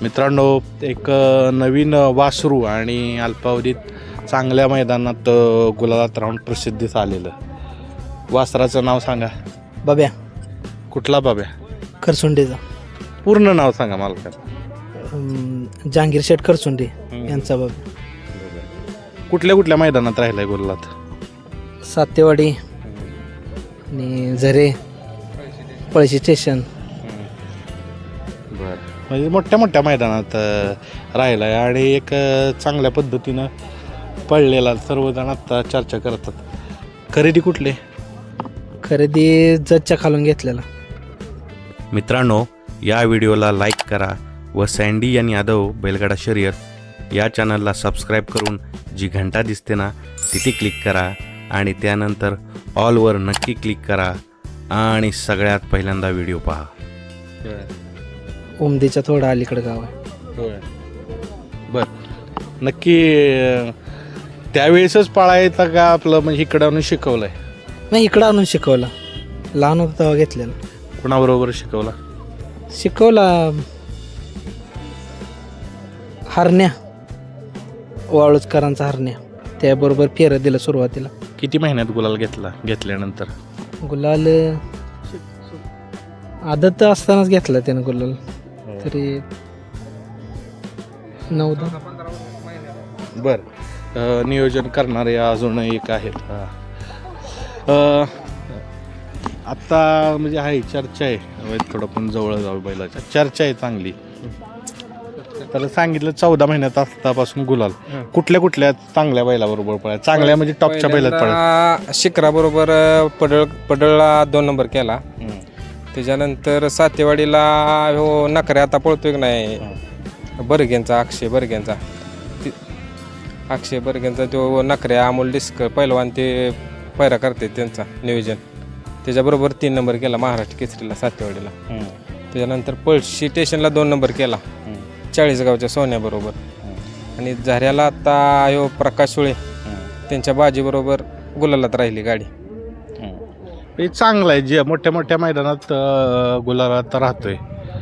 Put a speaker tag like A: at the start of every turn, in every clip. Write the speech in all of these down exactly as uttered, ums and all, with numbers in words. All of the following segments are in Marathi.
A: मित्रांनो, एक अ, नवीन अ, वासरू आणि अल्पावधीत चांगल्या मैदानात अ, गुलालात राहून प्रसिद्धीस आलेलं वासराचं नाव सांगा.
B: बाब्या
A: कुठला बाब्या?
B: खरसुंडेचा
A: पूर्ण नाव सांगा मला.
B: अं, जहांगीर शेठ खरसुंडे यांचा बाब्या.
A: कुठल्या कुठल्या मैदानात राहिलाय गुलालात?
B: सातेवाडी आणि झरे, पळशी स्टेशन.
A: बरं, म्हणजे मोठ्या मोठ्या मैदानात अ, राहिला आहे आणि एक अ, चांगल्या पद्धतीनं पळलेला सर्वजण आत्ता चर्चा करतात. खरेदी कुठली?
B: खरेदी जजच्या खालून घेतलेला.
C: मित्रांनो, या व्हिडिओला लाईक करा व सँडी आणि यादव बैलगाडा शर्यत या चॅनलला सबस्क्राईब करून जी घंटा दिसते ना तिथे क्लिक करा आणि त्यानंतर ऑलवर नक्की क्लिक करा आणि सगळ्यात पहिल्यांदा व्हिडिओ पहा.
B: उमदीच्या थोडं अलीकडं गाव आहे.
A: बर, नक्की अ, त्यावेळेसच पाळायचा का आपलं म्हणजे इकडं आणून शिकवलंय?
B: नाही, इकडं आणून शिकवला. लहान होता तेव्हा घेतलेला.
A: कुणाबरोबर शिकवला?
B: शिकवला हरण्या, वाळूजकरांचा हरण्या, त्याबरोबर फेरं दिलं सुरुवातीला.
A: किती महिन्यात गुलाल घेतला घेतल्यानंतर?
B: गुलाल आदत असतानाच घेतला त्यानं गुलाल. तरी नऊ दहा.
A: बर, अ, नियोजन करणारे अजून एक आहेत. हा. अ, आत्ता म्हणजे आहे चर्चा आहे, अ, थोडं पण जवळ जाऊ बैलाच्या चर्चा आहे चांगली. त्याला सांगितलं चौदा महिन्यात असतापासून गुलाल कुठल्या कुठल्या चांगल्या बैलाबरोबर पळाय? चांगल्या म्हणजे टॉपच्या बैलात पळाय.
D: शिखरा बरोबर पडळ पडळला दोन नंबर केला. त्याच्यानंतर सातेवाडीला हो नखरे आता पळतोय की नाही, बर्गेंचा अक्षय बर्गेंचा ती- अक्षय बर्गेंचा तो नखरे अमोल डिस्कर पहिलवान ते पैरा करते त्यांचा नियोजन. त्याच्याबरोबर तीन नंबर केला महाराष्ट्र केसरीला सातेवाडीला. त्याच्यानंतर पळशी स्टेशनला दोन नंबर केला चाळीसगावच्या सोन्याबरोबर. आणि झऱ्याला आता ह्यो प्रकाश सुळे त्यांच्या बाजीबरोबर गुलालात राहिली गाडी.
A: हे चांगलं आहे, जे मोठ्या मोठ्या मैदानात अ, गुलालात राहतोय.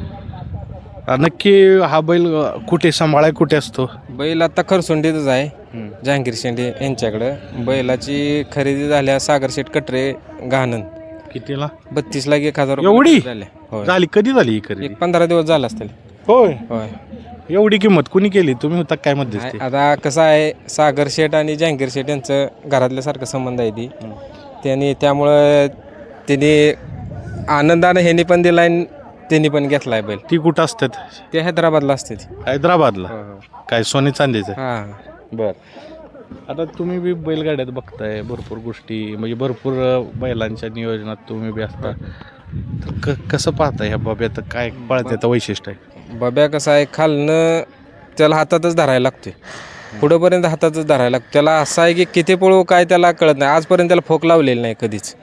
A: अ, नक्की हा बैल अ, कुठे सांभाळाय कुठे असतो?
D: बैल आता खरसुंडीतच आहे, जहांगीर शेंडे यांच्याकडं. बैलाची खरेदी झाल्या सागर शेठ कटरे घाणन.
A: कितीला?
D: बत्तीस लाख एक हजार रुपये
A: एवढी?
D: झाले. होय,
A: झाली कधी झाली ही खरेदी?
D: एक पंधरा दिवस झाला असतील.
A: होय,
D: होय.
A: एवढी किंमत कुणी केली? तुम्ही होता काय मध्ये?
D: आहे, आता कसं आहे, सागर शेठ आणि जहांगीर शेठ यांचं घरातल्यासारखं संबंध आहे ती. त्यांनी त्यामुळं त्यांनी आनंदानं ह्यांनी पण दिला आणि त्यांनी पण घेतलाय बैल.
A: ती कुठं असतात?
D: ते हैदराबादला असते.
A: हैदराबादला. काय सोने चांदीचं?
D: हां,
A: बर, आता तुम्ही बी बैलगाड्यात बघताय भरपूर गोष्टी, म्हणजे भरपूर अ, बैलांच्या नियोजनात तुम्ही बी असता. तर क कसं पाहताय ह्या बाब्यात काय पळत्याचं वैशिष्ट्य आहे?
D: बाब्या कसं आहे, खालनं त्याला हातातच धरायला लागतोय, पुढंपर्यंत हातातच धरायला लागतो. त्याला असं आहे की किती पळू काय त्याला कळत नाही. आजपर्यंत त्याला फोक लावलेली नाही कधीच,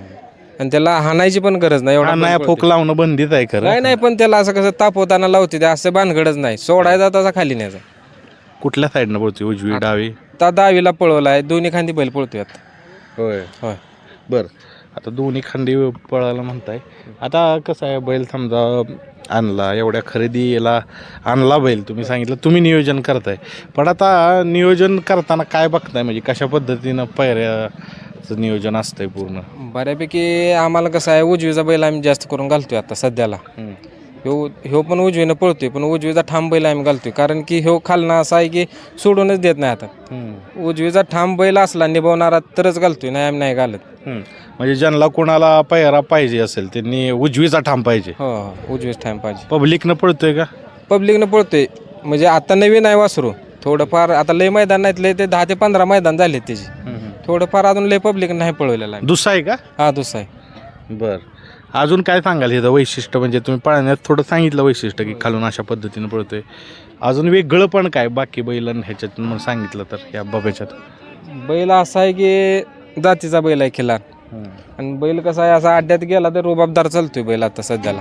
D: आणि त्याला हाणायची पण गरज नाही. एवढा
A: नाही,
D: बैल
A: फोक
D: पळतोय.
A: लावणं बंदीत आहे खरं.
D: नाही नाही, पण त्याला असं कसं तापवताना लावते ते, असं भानगडच नाही. सोडायचा तसा खाली न्यायचा.
A: कुठल्या साईडनं पळतोय? उजवी डावी?
D: आता दहावीला पळवला आहे, दोन्ही खांदी बैल पळतोय आता.
A: होय
D: होय.
A: बर, आता दोन्ही खांदी पळायला म्हणताय. आता कसं आहे, बैल समजा आणला, एवढ्या खरेदीला आणला बैल, तुम्ही सांगितलं तुम्ही नियोजन करताय, पण आता नियोजन करताना काय बघताय? म्हणजे कशा पद्धतीनं पायऱ्याचं नियोजन असतंय पूर्ण?
D: बऱ्यापैकी आम्हाला कसं आहे, उजवीचा बैल आम्ही जास्त करून घालतोय आता सध्याला. ह्यो ह्यो पण उजवीनं पळतोय, पण उजवीचा ठाम बैल आम्ही घालतोय, कारण की ह्यो खालना असा आहे की सोडूनच देत नाही. आता उजवीचा ठाम बैल असला निभावणारा तरच घालतोय, नाही आम्ही नाही घालत.
A: म्हणजे ज्यांना कोणाला पायरा पाहिजे असेल त्यांनी उजवीचा ठाम पाहिजे.
D: हो हो, उजवीच ठाम पाहिजे.
A: पब्लिकनं पळतोय का?
D: पब्लिकनं पळतोय, म्हणजे आता नवीन आहे वासरू. थोडंफार आता लय मैदान नाहीत, लय ते दहा ते पंधरा मैदान झाले त्याची. थोडंफार अजून लय पब्लिक नाही पळवलेला आहे.
A: दुसरा आहे का?
D: हा, दुसरा आहे.
A: बर, अजून काय सांगाल हे वैशिष्ट्य? म्हणजे तुम्ही पळण्यात थोडं सांगितलं वैशिष्ट्य की खालून अशा पद्धतीनं पळतोय, अजून वेगळं पण काय बाकी बैलन ह्याच्यात मग सांगितलं तर या बाब्याच्यात?
D: बैल असा आहे की जातीचा बैल आहे खिलार, आणि बैल कसा आहे, असा अड्ड्यात गेला तर रुबाबदार चालतोय बैल आता सध्याला.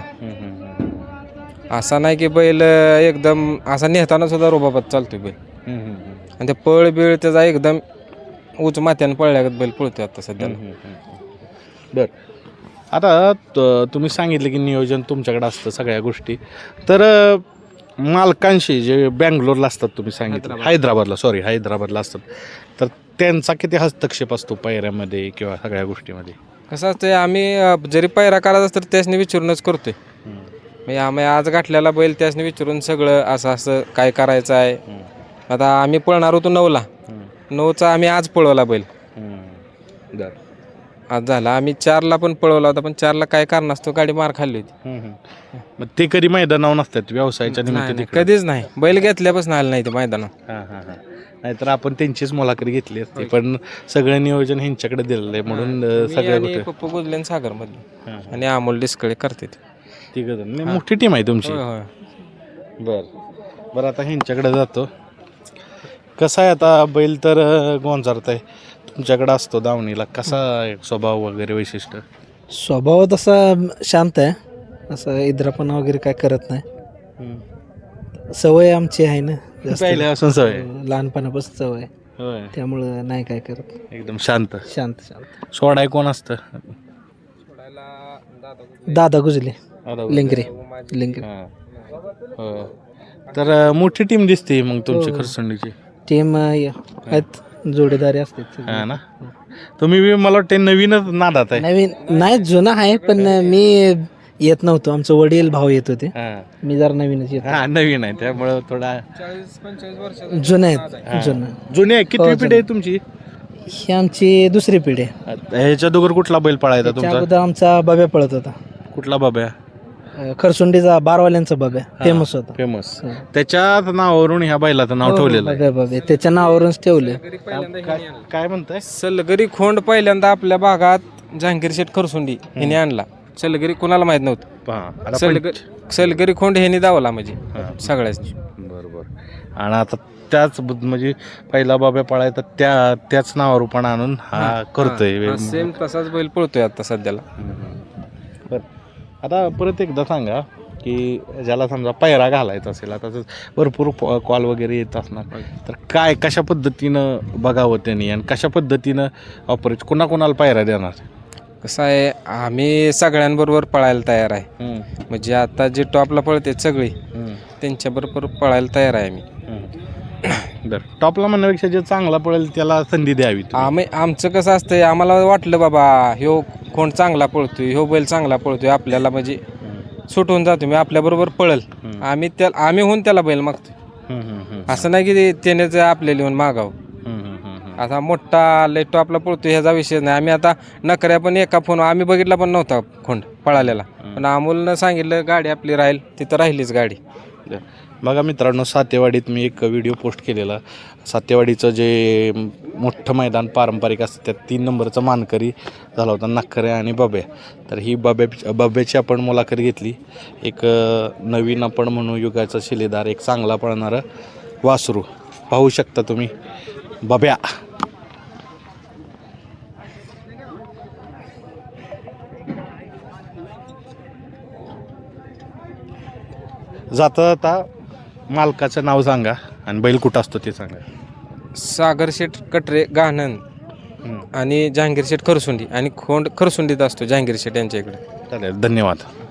D: असा नाही की बैल एकदम असा नेहताना सुद्धा रुबाबात चालतोय बैल, आणि ते पळ बिळ त्याचा एकदम उच मात्यानं पळल्यागत बैल पळतोय आता सध्याला.
A: बर, आता त- तुम्ही सांगितलं की नियोजन तुमच्याकडे असतं सगळ्या गोष्टी, तर मालकांशी जे बँगलोरला असतात तुम्ही सांगितलं
D: हैदराबाद.
A: हैदराबादला सॉरी हैदराबादला असतात तर त्यांचा किती हस्तक्षेप असतो पायऱ्यामध्ये किंवा सगळ्या गोष्टीमध्ये?
D: कसं असतं आम्ही अ, जरी पायरा करायचा असतं त्यासनी विचारूनच करतोय. म्हणजे आम्ही आज गाठलेला बैल त्यासनी विचारून सगळं असं असं काय करायचं आहे. आता आम्ही पळणार होतो नऊला नऊचा आम्ही आज पळवला बैल. आज झाला आम्ही चारला पण पळवला होता पण चारला काय कारण असतो गाडी मार खाल्ली होती.
A: मग ते कधी मैदानावर नसतात व्यवसायाच्या
D: नाही,
A: निमित्त
D: नाही,
A: तिकडे?
D: कधीच नाही बैल घेतल्यापासून आलं नाही ते मैदानात.
A: हां हां हां नाहीतर आपण त्यांचीच मुलाखत घेतली असती पण सगळं नियोजन ह्यांच्याकडे दिलेलं आहे म्हणून अं,
D: मी
A: सगळ्या
D: आणि
A: गोष्टी
D: पप्पू गुजलेन सागर मधले
A: हां,
D: आणि अमोल डिस्कळे करते ते.
A: तिघं जण. नाही, मोठी टीम आहे तुमची.
D: होय होय
A: बर बरं आता ह्यांच्याकडे जातो. कसा आहे आता बैल तर अं, गोंजारत आहे तुमच्याकडे असतो दावणीला कसा आहे स्वभाव वगैरे वैशिष्ट्य?
B: स्वभाव तसा शांत आहे, असं इद्रापणा वगैरे काय करत नाही. सवय आमची आहे ना जास्त.
A: पहिल्यापासून सवय आहे.
B: लहानपणापासून सवय,
A: होय
B: त्यामुळं नाही काय करत.
A: एकदम शांत.
B: शांत शांत.
A: सोडाय कोण असतं?
B: दादा गुजले
A: आता
B: लिंगरे लिंगरे
A: हां. होय. तर अं, मोठी टीम दिसते मग तुमची
B: हो.
A: खरसंडीची.
B: टीम आहेत, जोडीदारी असते सगळे.
A: हा ना तुम्ही बी मला वाटते नवीनच नादात आहे.
B: नवीन नाही, जुना आहे पण मी येत नव्हतो. आमचं वडील भाऊ येत होते,
A: हां
B: मी जरा नवीनच येतो.
A: हां नवीन आहे त्यामुळं थोडा
D: चाळीस पंचेचाळीस वर्ष
B: जुनं आहेत जुनं.
A: जुनी आहे. किती
B: हो,
A: पिढी आहे तुमची?
B: ही आमची दुसरी पिढी आहे.
A: ह्याच्या दोघर कुठला बैल पळायचा
B: त्याच्या
A: तुमचा?
B: अगोदर आमचा बब्या पळत होता,
A: कुठला बाब्या?
B: अं, खरसुंडीचा बारवाल्यांचा बब्या फेमस होता.
A: फेमस. त्याच्याच नावावरून ह्या बैलाचं नाव ठेवलेलं आहे.
B: बब्या बब्या त्याच्या नावावरूनच ठेवले.
A: काय- काय म्हणताय?
D: सलगरी खोंड पहिल्यांदा आपल्या भागात जहांगीर शेठ खरसुंडी ह्याने आणला. सलगरी कोणाला माहित नव्हतं.
A: पहा आता
D: सलगरी सलगरी खोंड ह्याने दावला म्हणजे सगळ्याच.
A: बरोबर. आणि आता त्याच बुद- म्हणजे पहिला बाब्या पळायचा त्या त्याच नावावर पण आणून हा करतोय.
D: सेम तसाच बैल पळतोय आता सध्याला.
A: बरं आता परत एकदा सांगा की ज्याला समजा पायरा घालायचा असेल आता तर भरपूर कॉल वगैरे येत असणार तर काय कशा पद्धतीनं बघावं त्यांनी आणि कशा पद्धतीनं ऑपरेट कोणाकोणाला पायरा देणार?
D: कसं आहे आम्ही सगळ्यांबरोबर पळायला तयार आहे.
A: हम्म,
D: म्हणजे आता जे टॉपला पळते सगळी
A: हम्म,
D: त्यांच्याबरोबर पळायला तयार आहे आम्ही.
A: हम्म. बरं टॉपला म्हणण्यापेक्षा जे चांगला पळेल त्याला संधी द्यावी तुम्ही.
D: आम्ही आमचं कसं असतंय आम्हाला वाटलं बाबा ह्यो कोण चांगला पळतोय ह्यो बैल चांगला पळतोय आपल्याला म्हणजे सुटून जातो मी आपल्याबरोबर पळल आम्ही त्या आम्ही होऊन त्याला बैल मागतोय.
A: हम्म, हम्म, हम्म,
D: असं नाही की ते- त्यानेच आपल्याला येऊन मागावं.
A: हम्म, हम्म, हम्म.
D: आता मोठा लय टॉपला पळतो ह्याचा विषय नाही. आम्ही आता नकऱ्या पण एका फोन आम्ही बघितला पण नव्हता खोंड पळालेला पण अमोलनं सांगितलं गाडी आपली राहील तिथं राहिलीच गाडी.
A: बघा मित्रांनो सातेवाडीत मी एक व्हिडिओ पोस्ट केलेला. सातेवाडीचं जे मोठं मैदान पारंपरिक असतं त्यात तीन नंबरचा मानकरी झाला होता नखरे आणि बब्या. तर ही बब्या बब्याची आपण मुलाखत घेतली. एक अं, नवीन आपण म्हणू युगाचा शिलेदार एक चांगला पळणारं वासरू पाहू शकता तुम्ही बब्या. जाता जाता मालकाचं नाव सांगा आणि बैल कुठं असतो ते सांगा.
D: सागर शेठ कटरे गाणन आणि जहांगीर शेठ खरसुंडी आणि खोंड खरसुंडीत असतो जहांगीर शेठ यांच्या इकडे.
A: चालेल धन्यवाद.